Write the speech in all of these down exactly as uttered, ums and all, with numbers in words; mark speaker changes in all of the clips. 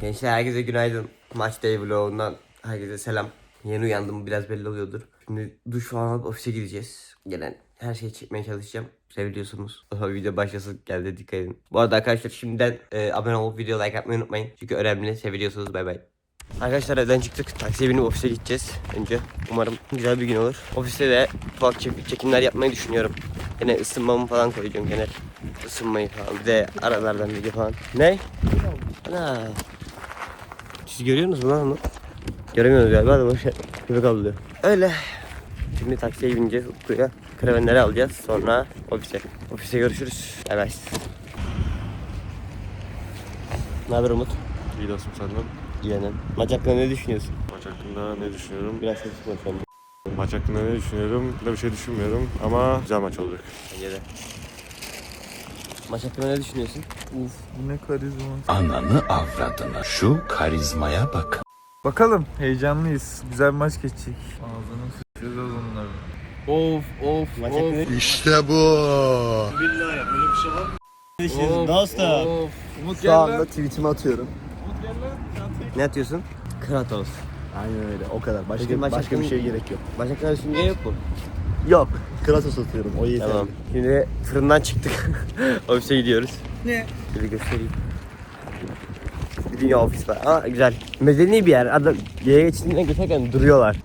Speaker 1: Gençler herkese günaydın. Maç day vlogundan herkese selam. Yeni uyandım, biraz belli oluyordur. Şimdi duş falan alıp ofise gideceğiz. Gelen her şeyi çekmeye çalışacağım. Seviyorsunuz. O video başlasın, geldi, dikkat edin. Bu arada arkadaşlar şimdiden e, abone olup video like atmayı unutmayın. Çünkü önemli, seviyorsunuz. Bay bay. Arkadaşlar evden çıktık. Taksiye binip ofise gideceğiz önce. Umarım güzel bir gün olur. Ofiste de ufak çek çekimler yapmayı düşünüyorum. Yine ısınmamı falan koyacağım, gene ısınmayı falan. Bir de aralardan video falan. Ne? Ana. Siz görüyor musunuz lan onu? Göremiyoruz galiba da boş ver. Köpek avlıyor. Öyle. Şimdi taksiye bineceğiz Utku'ya. Kravenleri alacağız. Sonra ofise. Ofise görüşürüz. Evet. Ne haber Umut?
Speaker 2: İyi dostum, senden.
Speaker 1: İyi. Maç hakkında ne düşünüyorsun?
Speaker 2: Maç hakkında ne düşünüyorum?
Speaker 1: Biraz sesli konuşalım.
Speaker 2: Maç hakkında ne düşünüyorum? Da bir şey düşünmüyorum ama güzel maç olacak.
Speaker 1: Bence de. Maç hakkında ne düşünüyorsun?
Speaker 3: Uf, bu ne karizma.
Speaker 4: Ananı avradını. Şu karizmaya bakın.
Speaker 3: Bakalım, heyecanlıyız. Güzel bir maç geçecek. Ağzını sıçrayacağız onları. Of of
Speaker 1: Maç
Speaker 3: of.
Speaker 1: hakkında
Speaker 4: İşte bu.
Speaker 1: ne düşünüyorsun dostum?
Speaker 3: Of. Umut
Speaker 5: Şu
Speaker 3: gel
Speaker 5: anda
Speaker 3: lan.
Speaker 5: tweetimi atıyorum.
Speaker 3: Umut gel lan.
Speaker 1: Ne atıyorsun? Kratos.
Speaker 5: Aynen öyle, o kadar. Başka
Speaker 1: Peki maç
Speaker 5: başka bir
Speaker 1: hakkında-
Speaker 5: şeye gerek yok.
Speaker 1: Maç hakkında düşünce yok mu?
Speaker 5: Yok, Kratos atıyorum. O yeterli.
Speaker 1: Tamam. Şimdi fırından çıktık. Ofise gidiyoruz. Ne? Şöyle göstereyim. Bir dünya ofis var. Aa güzel. Medeni bir yer. Adam yaya geçtiğinden geçerken duruyorlar.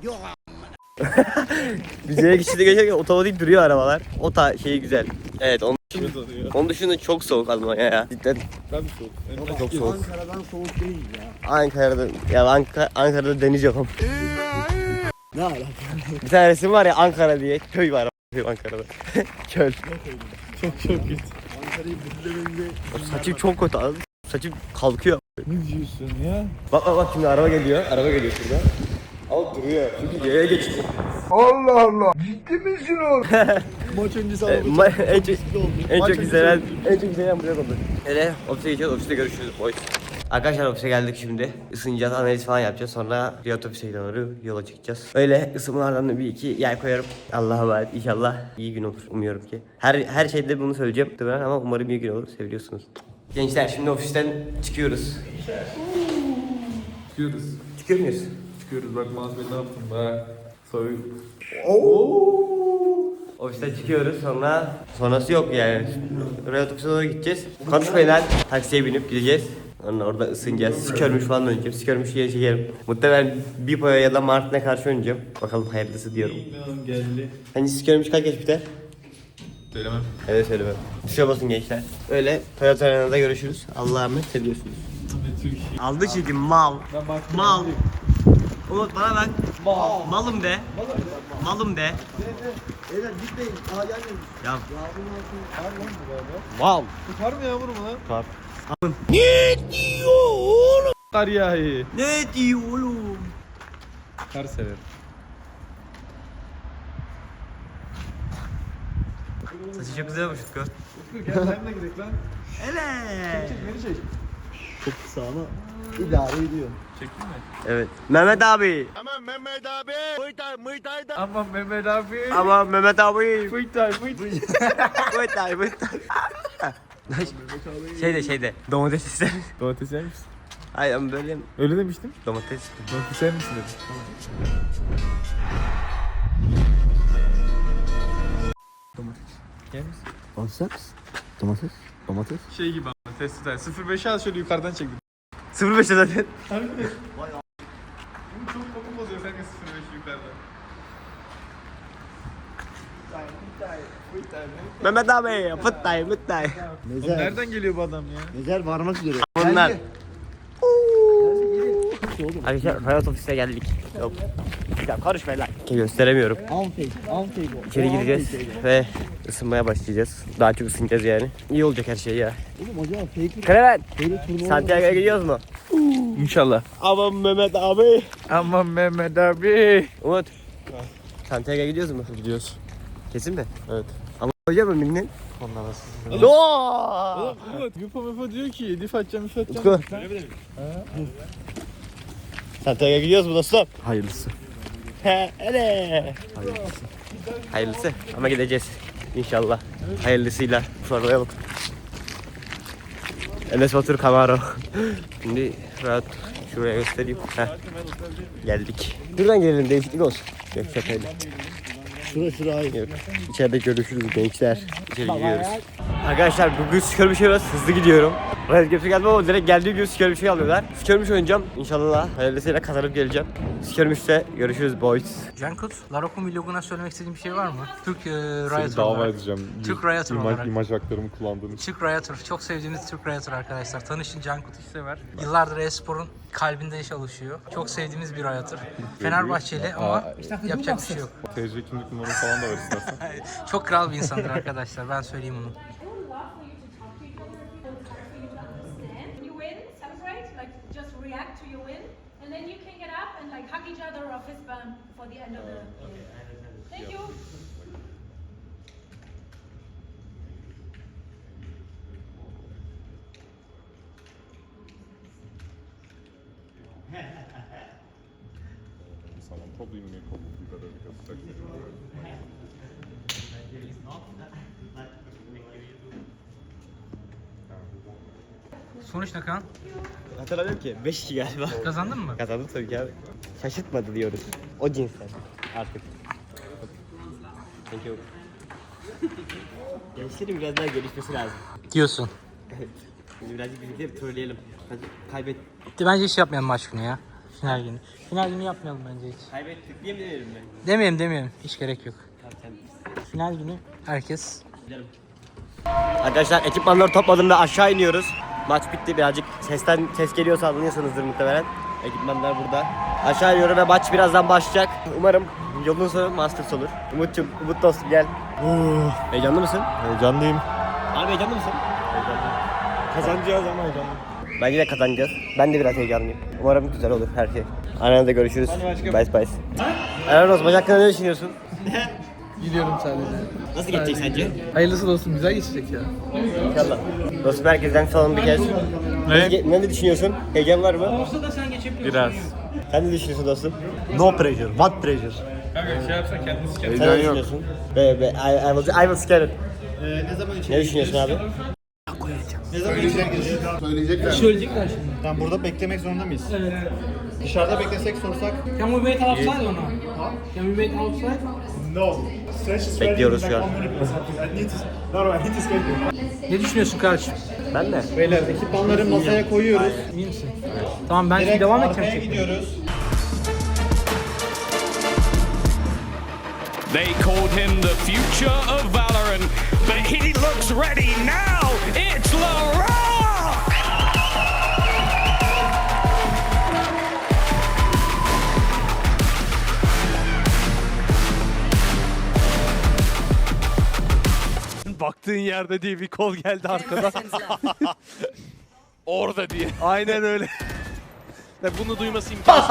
Speaker 1: Biz yaya geçtiğinde geçerken otomatik duruyor arabalar. O ta şeyi güzel. Evet onun dışında, onun dışında çok soğuk Almanya ya. Cidden
Speaker 3: Tabii soğuk.
Speaker 1: çok soğuk.
Speaker 5: Ankara'dan soğuk değil ya.
Speaker 1: Ankara'da ya Anka, Ankara'da deniz yok.
Speaker 5: Ne alaka?
Speaker 1: Bir tane resim var ya Ankara diye köy var Ankara'da. Köy.
Speaker 3: Çok çok kötü.
Speaker 5: Ankara'yı bütünlememde...
Speaker 1: Saçım çok kötü. Saçım kalkıyor.
Speaker 3: Ne diyorsun ya?
Speaker 1: Bak bak bak şimdi araba geliyor. Araba geliyor şurada. Al duruyor. Çünkü yaya geçti.
Speaker 5: Maç öncesi
Speaker 1: E,
Speaker 5: araba
Speaker 1: ma- en çok en
Speaker 5: Maç
Speaker 1: çok
Speaker 5: öncesi
Speaker 1: güzel en çok güzel buraya oldu. Hele ofise geçiyoruz. Ofiste görüşürüz. Boys. Arkadaşlar ofise geldik şimdi. Isınacağız, analiz falan yapacağız. Sonra bir otobüse doğru yola çıkacağız. Öyle ısınmalardan da bir iki yer koyarım. Allah'a emanet. İnşallah iyi gün olur. Umuyorum ki. Her her şeyde bunu söyleyeceğim. Muhtemelen ama umarım iyi gün olur. Seviyorsunuz. Gençler şimdi ofisten çıkıyoruz.
Speaker 3: Çıkıyoruz.
Speaker 1: Çıkıyor muyuz?
Speaker 3: Çıkıyoruz. Bak Mazbey ne yaptın be? Soy.
Speaker 1: Ofisten çıkıyoruz sonra sonrası yok yani. Oraya otobüse doğru gideceğiz. Konuşmayın lan. Taksiye binip gideceğiz. Ondan orada ısınacağız. Sikörmüş falan oynayacağım. Sikörmüş yine çekerim. Muhtemelen Bipo'ya ya da Martin'e karşı oynayacağım. Bakalım hayırlısı diyorum.
Speaker 3: Geldi.
Speaker 1: Hani sikörmüş kaç geç biter?
Speaker 3: Söylemem.
Speaker 1: Evet söylemem. Tuşa basın gençler. Öyle Toyota Arena'da görüşürüz. Allah'a emanet seviyorsunuz.
Speaker 3: Tabii Türkiye.
Speaker 1: Aldı çünkü mal.
Speaker 3: Ben baktım.
Speaker 1: Mal. Umut bana bak. Mal. Malım de. Malım de.
Speaker 5: Beyler gitmeyin, daha gelmeyin.
Speaker 1: Ya
Speaker 3: Var lan bu arada.
Speaker 1: mal.
Speaker 3: Tutar mı yağmur mu lan?
Speaker 1: Var.
Speaker 3: Kar yağı.
Speaker 1: Ne diyor oğlum?
Speaker 3: Kar sever.
Speaker 1: Saçı çok güzel olmuş Utku.
Speaker 3: Utku gel benimle gidelim lan.
Speaker 1: Ele.
Speaker 3: Çek beni çek.
Speaker 5: Çok kısa ama idare ediyor.
Speaker 3: Çektin mi?
Speaker 1: Evet. Mehmet abi.
Speaker 3: Aman Mehmet abi. Fıytay
Speaker 1: Ama Mehmet abi.
Speaker 3: fıytay.
Speaker 1: Bıhtay bıhtay. Şeyde şeyde. Domates ister.
Speaker 3: Domates yer misin?
Speaker 1: Hayır ama böyle
Speaker 3: Öyle demiştim.
Speaker 1: domates.
Speaker 3: Domates yer misin dedim. Domates. Yer misin?
Speaker 5: Domates? Domates? Domates?
Speaker 3: Şey gibi ama testi tane. sıfır beşe al şöyle yukarıdan çek.
Speaker 1: sıfır beşe zaten.
Speaker 3: Harbiden. Vay a**. Bu çok koku bozuyor kanka sıfır beş yukarıdan.
Speaker 1: Mehmet abi. Bıhtay bıhtay.
Speaker 3: Oğlum
Speaker 5: Nezer.
Speaker 3: nereden geliyor bu adam ya?
Speaker 5: Nezer varmak üzere.
Speaker 1: Bunlar.
Speaker 5: Geldi. Oğlum.
Speaker 1: Arkadaşlar hayat ofisine geldik. Yok. Ya karışmayın lan. Gösteremiyorum.
Speaker 5: Unfake, unfake.
Speaker 1: İçeri gireceğiz ve ısınmaya başlayacağız. Daha çok ısınacağız yani. İyi olacak her şey ya.
Speaker 5: Oğlum acaba fake
Speaker 1: Kreven.
Speaker 5: böyle turnuva
Speaker 1: Santiago'ya gidiyoruz mu?
Speaker 3: İnşallah.
Speaker 1: Aman Mehmet abi.
Speaker 3: Aman Mehmet abi.
Speaker 1: Umut. Santiago'ya gidiyoruz mu?
Speaker 3: Gidiyoruz.
Speaker 1: Kesin mi?
Speaker 3: Evet.
Speaker 1: Ama hocam mı bildin?
Speaker 3: Ondan nasıl?
Speaker 1: No!
Speaker 3: Oğlum Umut, Yupa Mupa diyor ki dif atacağım, dif atacağım.
Speaker 1: Utku. Santiago'ya gidiyoruz mu dostum?
Speaker 5: Hayırlısı.
Speaker 1: He, hele. Hayırlısı. Hayırlısı ama gideceğiz. İnşallah. Hayırlısıyla. Şu arabaya bak. Enes Batur Camaro. Şimdi rahat şuraya göstereyim. Heh. Geldik. Buradan gelelim, değişiklik olsun. Yok şakayla.
Speaker 5: Şura şura hayır.
Speaker 1: Yok. İçeride görüşürüz gençler. İçeri giriyoruz. Arkadaşlar bugün skör bir şey biraz hızlı gidiyorum. Red Gaps'e geldim ama direkt geldiğim gibi skör bir şey alıyorlar. Skörmüş oynayacağım. İnşallah hayırlısıyla kazanıp geleceğim. Skörmüş'te görüşürüz boys.
Speaker 6: Cankut, Larocum vloguna söylemek istediğin bir şey var mı? Türk e,
Speaker 2: Seni
Speaker 6: Rioter
Speaker 2: dava
Speaker 6: olarak.
Speaker 2: edeceğim.
Speaker 6: Türk Rioter
Speaker 2: imaj,
Speaker 6: olarak.
Speaker 2: imaj haklarımı kullandığın için.
Speaker 6: Türk Rioter, çok sevdiğimiz Türk Rioter arkadaşlar. Tanışın, Cankut hiç sever. Yıllardır e-sporun kalbinde çalışıyor. Çok sevdiğimiz bir Rioter. Fenerbahçeli ama yapacak bir şey yok.
Speaker 2: T C kimlik numaranı falan da ver istersen.
Speaker 6: Çok kral bir insandır arkadaşlar, ben söyleyeyim onu.
Speaker 7: You win, celebrate, like just react to your win, and then you can get up and like hug each other or fist bump for the end of the. Thank you.
Speaker 2: Someone probably me probably better because technically.
Speaker 6: Sonuç ne kan?
Speaker 1: Hatırlamıyorum ki. beş iki galiba.
Speaker 6: Kazandın mı?
Speaker 1: Kazandım tabii ki abi. Şaşırtmadı diyoruz. O cinsten artık. Thank you. Gençlerin biraz daha gelişmesi lazım.
Speaker 6: Diyorsun.
Speaker 1: Şimdi birazcık bizimkileri trolleyelim. Hadi kaybet.
Speaker 6: Bence hiç yapmayalım maç günü ya. Final günü. Final günü yapmayalım bence hiç.
Speaker 1: Kaybettik diye mi deneyelim ben?
Speaker 6: Demeyelim demeyelim. Hiç gerek yok.
Speaker 1: Tamam sen
Speaker 6: Final günü herkes.
Speaker 1: gidelim. Arkadaşlar ekipmanları topladığımda aşağı iniyoruz. Maç bitti, birazcık sesten ses geliyorsa anlıyorsunuzdur muhtemelen. Ekipmanlar burada. Aşağı iniyorum ve maç birazdan başlayacak. Umarım yolun sonu Masters olur. Umut'cum, Umut dostum gel. Heyecanlı mısın?
Speaker 2: Heyecanlıyım.
Speaker 1: Harbi heyecanlı mısın?
Speaker 2: Kazanacağız ama heyecanlıyım.
Speaker 1: Bence de kazanacağız. Ben de biraz heyecanlıyım. Umarım güzel olur her şey. Arenada görüşürüz. Bye bye. Eranos, maç hakkında ne düşünüyorsun?
Speaker 8: Gidiyorum sadece.
Speaker 1: Nasıl geçecek sence?
Speaker 8: Hayırlısı olsun, güzel geçecek ya.
Speaker 1: İnşallah. Dostum herkesten soralım bir kez. Ne? Ne düşünüyorsun? Heyecan var mı?
Speaker 3: Biraz.
Speaker 1: Sen ne düşünüyorsun dostum?
Speaker 5: No pressure. What pressure?
Speaker 8: Kanka şey yapsan kendisi
Speaker 1: Sen
Speaker 2: Heyecan
Speaker 1: ne
Speaker 2: yok.
Speaker 1: düşünüyorsun? Be, be, I, I, was, I was scared. Ne düşünüyorsun abi?
Speaker 8: söyleyecekler şimdi.
Speaker 5: Tamam burada beklemek zorunda mıyız?
Speaker 8: Evet.
Speaker 5: Dışarıda beklesek sorsak.
Speaker 8: Can we wait outside or not? Can we wait outside?
Speaker 9: No. Session is
Speaker 1: Bekliyoruz
Speaker 9: ready in
Speaker 1: şu an.
Speaker 9: like one minute. I need to, no, no, I need to schedule.
Speaker 6: Ne düşünüyorsun kardeşim?
Speaker 1: Ben de.
Speaker 5: Beyler ekipmanları masaya koyuyoruz.
Speaker 6: İyi misin? Tamam, ben şimdi
Speaker 5: Direkt
Speaker 6: devam
Speaker 5: arkaya
Speaker 6: edeceğim. çekmeye.
Speaker 5: gidiyoruz.
Speaker 10: They called him the future of Valorant, but he looks ready now. It's LaRock!
Speaker 11: Baktığın yerde diye bir kol geldi arkadan. Orada diye. Aynen öyle. Ve bunu duyması imkansız.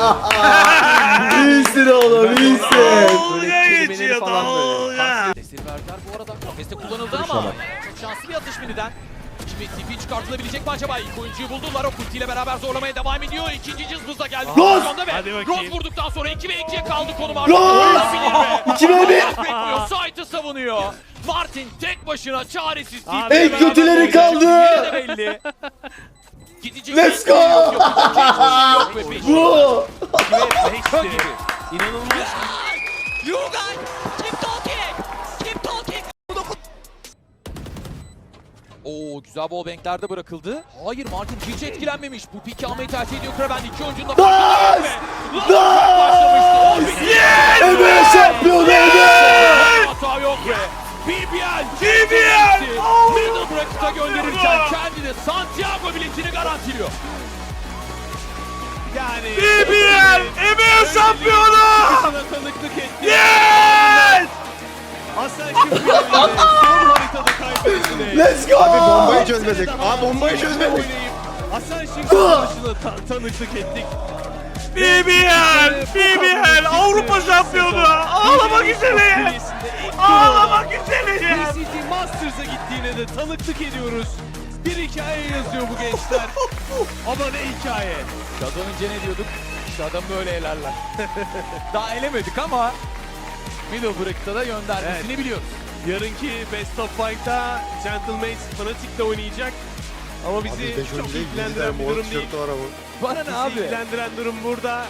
Speaker 1: İyisin oğlum, iyisin.
Speaker 11: Dalga geçiyor, dalga.
Speaker 10: Desir verdiler bu arada. Kafeste kullanıldı ama çok şanslı bir atış Mini'den. Şimdi T P çıkartılabilecek mi acaba? İlk oyuncuyu buldular. O ultiyle beraber zorlamaya devam ediyor. İkinci cızbızda geldi.
Speaker 1: Roz!
Speaker 10: Hadi
Speaker 11: bakayım.
Speaker 10: Roz vurduktan sonra iki ve ikiye kaldı konum artık.
Speaker 1: Roz! iki ve bir!
Speaker 10: Bekliyor. Sait'i savunuyor. Martin tek başına çaresiz.
Speaker 11: Abi,
Speaker 10: T P 'ye
Speaker 1: en
Speaker 10: beraber
Speaker 1: kötüleri
Speaker 10: oynayacak.
Speaker 1: kaldı.
Speaker 10: Yine de belli. Gidecek
Speaker 1: Let's
Speaker 10: bir şey yok,
Speaker 1: go!
Speaker 10: yapacak hiçbir şey yok ve peşinde.
Speaker 1: Bu.
Speaker 11: Kör gibi. İnanılmaz.
Speaker 10: You guys keep talking. Keep talking. Oo, güzel wallbang'lerde bırakıldı. Hayır, Martin hiç etkilenmemiş. Bu piki almayı tercih ediyor Kraven. İki oyuncunun da farkındayım ve başlamıştı. Yes!
Speaker 1: Emre şampiyonu Emre!
Speaker 10: Hata yok ve B B L B B L Middle Bracket'a gönderirken kendine Santiago biletini garantiliyor.
Speaker 11: Yani.
Speaker 10: B B L Emre şampiyonu!
Speaker 11: Sana tanıklık etti. Yes! Hasan Şükrü'yle son haritada kaybettiğine.
Speaker 1: Let's go!
Speaker 2: Abi bombayı çözmedik. Abi bombayı çözmedik.
Speaker 11: Hasan Şükrü'nün ta tanıklık ettik.
Speaker 10: B B L B B L Avrupa şampiyonu! Ağlamak üzereyim! Ağlamak üzereyim!
Speaker 11: B C T Masters'a gittiğine de tanıklık ediyoruz. Bir hikaye yazıyor bu gençler. Ama ne hikaye?
Speaker 10: Shadow önce ne diyorduk? İşte adamı böyle elerler. Daha elemedik ama Middle Bracket'a da göndermesini
Speaker 11: Evet.
Speaker 10: biliyoruz.
Speaker 11: Yarınki Best of Fight'ta Gentlemates Fnatic'le oynayacak. Ama bizi çok ilgilendiren bir durum değil.
Speaker 10: Bana ne
Speaker 11: Bizi
Speaker 10: abi?
Speaker 11: ilgilendiren durum burada.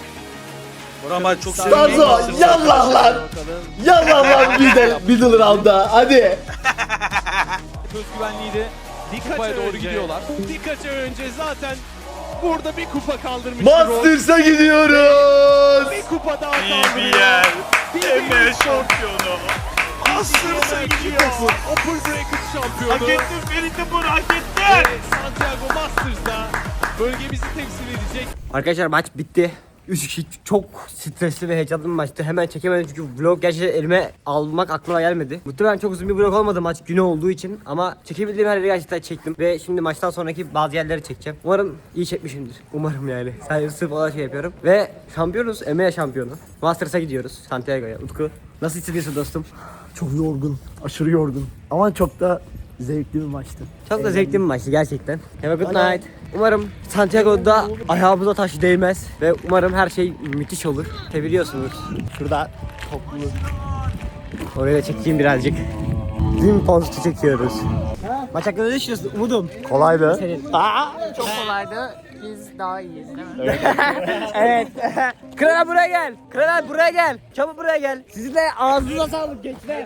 Speaker 8: Burama çok
Speaker 1: Starzo yallah lan. Yallah lan middle, middle round'a hadi.
Speaker 10: Özgüvenliydi.
Speaker 11: Birkaç
Speaker 10: Kupaya
Speaker 11: ay
Speaker 10: doğru
Speaker 11: önce,
Speaker 10: gidiyorlar.
Speaker 11: Birkaç ay önce zaten burada bir kupa kaldırmıştı.
Speaker 1: Masters'a gidiyoruz.
Speaker 11: Bir kupa daha kaldırıyor. B B L şampiyonu. Masters'a gidiyor. Upper Bracket şampiyonu. Hak ettin Ferit'e bunu hak ettin. Santiago Masters'da bölgemizi temsil edecek.
Speaker 1: Arkadaşlar maç bitti. üç kişi çok stresli ve heyecanlı bir maçtı. Hemen çekemedim çünkü vlog gerçekten elime almak aklıma gelmedi. Muhtemelen çok uzun bir vlog olmadı maç günü olduğu için. Ama çekebildiğim her yeri gerçekten çektim. Ve şimdi maçtan sonraki bazı yerleri çekeceğim. Umarım iyi çekmişimdir. Umarım yani. Sadece sırf olarak şey yapıyorum. Ve şampiyonuz. E M E şampiyonu. Masters'a gidiyoruz. Santiago'ya. Utku. Nasıl hissediyorsun dostum?
Speaker 5: Çok yorgun. Aşırı yorgun. Ama çok da zevkli bir maçtı.
Speaker 1: Çok da zevkli bir maçtı gerçekten. Have a good night. Umarım Santiago'da ayağımıza taş değmez ve umarım her şey müthiş olur. Seviyorsunuz. Şurada topluluk. Oraya da çekeyim birazcık. Dream Ponts'u çekiyoruz. Maç hakkında ne düşünüyorsun Umudum?
Speaker 5: Kolaydı.
Speaker 1: Senin. Aa, çok kolaydı. Biz daha iyiyiz değil mi? Evet. Kral buraya gel. Kral buraya gel. Çabuk buraya gel. Sizin de ağzınıza sağlık gençler.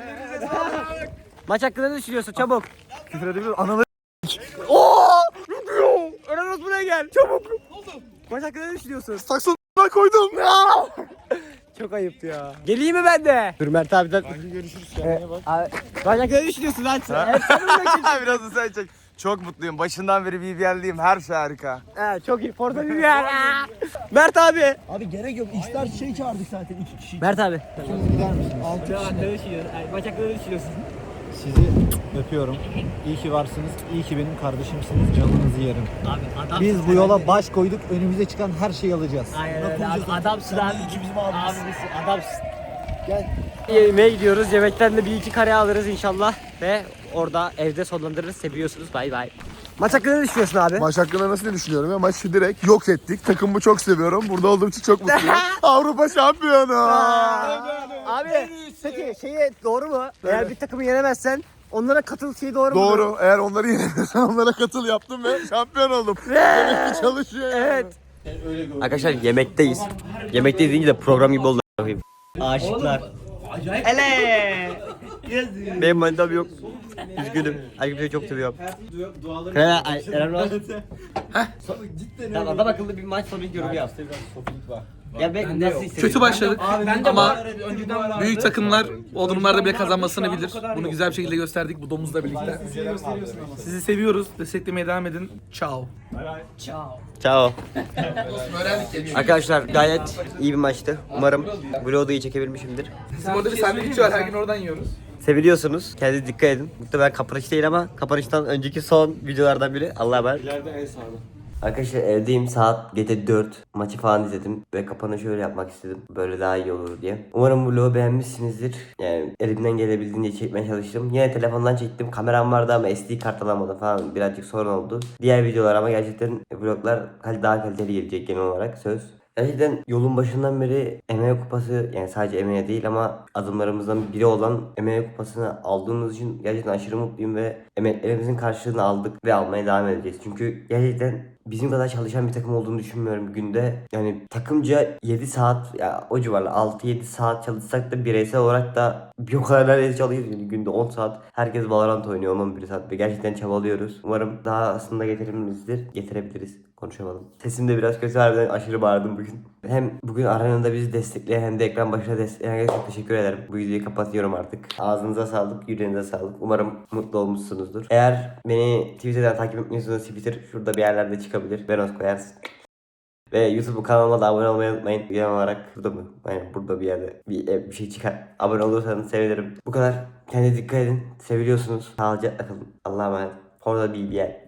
Speaker 1: Maç hakkında ne düşünüyorsun? Çabuk.
Speaker 5: Küfür edebilir. Anaları
Speaker 1: Oo! Ne diyor? Eranos buraya gel. Çabuk. Maç hakkında ne düşünüyorsun?
Speaker 5: saksonuna koydum.
Speaker 1: Çok ayıptı ya. Geleyim mi ben de? Dur Mert abiden. Hangi görüşürüz kendine bak. Abi, maç hakkında ne düşünüyorsun lan? Hep sen mi bakıyorsun?
Speaker 3: Biraz da sen çek. Çok mutluyum. Başından beri B B L'liyim. Her şey harika.
Speaker 1: He, çok iyi. Forza bir yer. Mert abi.
Speaker 5: Abi gerek yok. İster şey çağırdık zaten iki kişi.
Speaker 1: Mert abi.
Speaker 5: Gider misin? Altı kişi.
Speaker 1: Maç hakkında ne düşünüyorsun?
Speaker 5: Sizi öpüyorum. İyi ki varsınız. İyi ki benim kardeşimsiniz. Canınızı yerim.
Speaker 1: Abi adam.
Speaker 5: Biz bu yola baş koyduk. Önümüze çıkan her şeyi alacağız.
Speaker 1: Aynen öyle abi. Adamsın abi.
Speaker 5: Bizim abimiz.
Speaker 1: Abimizsin. Adamsın.
Speaker 5: Gel.
Speaker 1: Yemeğe gidiyoruz. Yemekten de bir iki kare alırız inşallah. Ve orada evde sonlandırırız. Seviyorsunuz. Bay bay. Maç hakkında ne düşünüyorsun abi?
Speaker 2: Maç hakkında nasıl ne düşünüyorum ya? Maçı direkt yok ettik. Takımımı çok seviyorum. Burada olduğum için çok mutluyum. Avrupa şampiyonu.
Speaker 1: Abi peki şeye doğru mu? Eğer bir takımı yenemezsen onlara katıl şey doğru mu?
Speaker 2: Doğru. Eğer onları yenemiyorsan onlara katıl yaptım ve şampiyon oldum. Demek ki çalışıyor yani.
Speaker 1: Evet. Arkadaşlar yemekteyiz. Yemekteyiz deyince de program gibi oldu. Aşıklar. Ele. Benim manitam yok. Üzgünüm. Ayrıca çok seviyorum. He, Eren var. Tamam, adam akıllı bir maç sonu yorumu yap. Ya ben nasıl hissediyorum?
Speaker 6: Kötü başladık ama büyük takımlar o durumlarda bile kazanmasını bilir. Bunu güzel bir şekilde gösterdik bu domuzla birlikte. Sizi seviyoruz. Desteklemeye devam edin. Ciao.
Speaker 1: Ciao. Arkadaşlar gayet iyi bir maçtı. Umarım vlogu da iyi çekebilmişimdir.
Speaker 6: Bizim orada bir sandviç var. Her gün oradan yiyoruz.
Speaker 1: Seviliyorsunuz. Kendinize dikkat edin. Muhtemelen kapanış değil ama kapanıştan önceki son videolardan biri. Allah'a emanet.
Speaker 2: İleride en sağda.
Speaker 1: Arkadaşlar evdeyim, saat gece dört. Maçı falan izledim ve kapanışı öyle yapmak istedim. Böyle daha iyi olur diye. Umarım vlogu beğenmişsinizdir. Yani elimden gelebildiğince çekmeye çalıştım. Yine telefondan çektim. Kameram vardı ama S D kart alamadım falan. Birazcık sorun oldu. Diğer videolar ama gerçekten vloglar daha kaliteli gelecek genel olarak, söz. Gerçekten yolun başından beri M M A kupası, yani sadece M M A değil ama adımlarımızdan biri olan M M A kupasını aldığımız için gerçekten aşırı mutluyum ve emeklerimizin karşılığını aldık ve almaya devam edeceğiz. Çünkü gerçekten bizim kadar çalışan bir takım olduğunu düşünmüyorum günde. Yani takımca yedi saat, ya o civarla altı yedi saat çalışsak da bireysel olarak da bir o kadar neredeyse çalışıyoruz. Yani günde on saat herkes Valorant oynuyor, on on bir saat ve gerçekten çabalıyoruz. Umarım daha aslında getirilmişizdir. Getirebiliriz. Konuşamadım. Sesim de biraz kötü, harbiden aşırı bağırdım bugün. Hem bugün aranında bizi destekleyen hem de ekran başına destekleyen herkese çok teşekkür ederim. Bu videoyu kapatıyorum artık. Ağzınıza sağlık, yüreğinize sağlık. Umarım mutlu olmuşsunuzdur. Eğer beni Twitter'dan takip etmiyorsanız Twitter şurada bir yerlerde çıkabilir. Benos koyarsın. Ve YouTube kanalıma da abone olmayı unutmayın. Genel olarak burada mı? Aynen burada bir yerde bir, bir şey çıkar. Abone olursanız sevinirim. Bu kadar. Kendinize dikkat edin. Seviliyorsunuz. Sağlıcakla kalın. Allah'a emanet. Orada bir yer.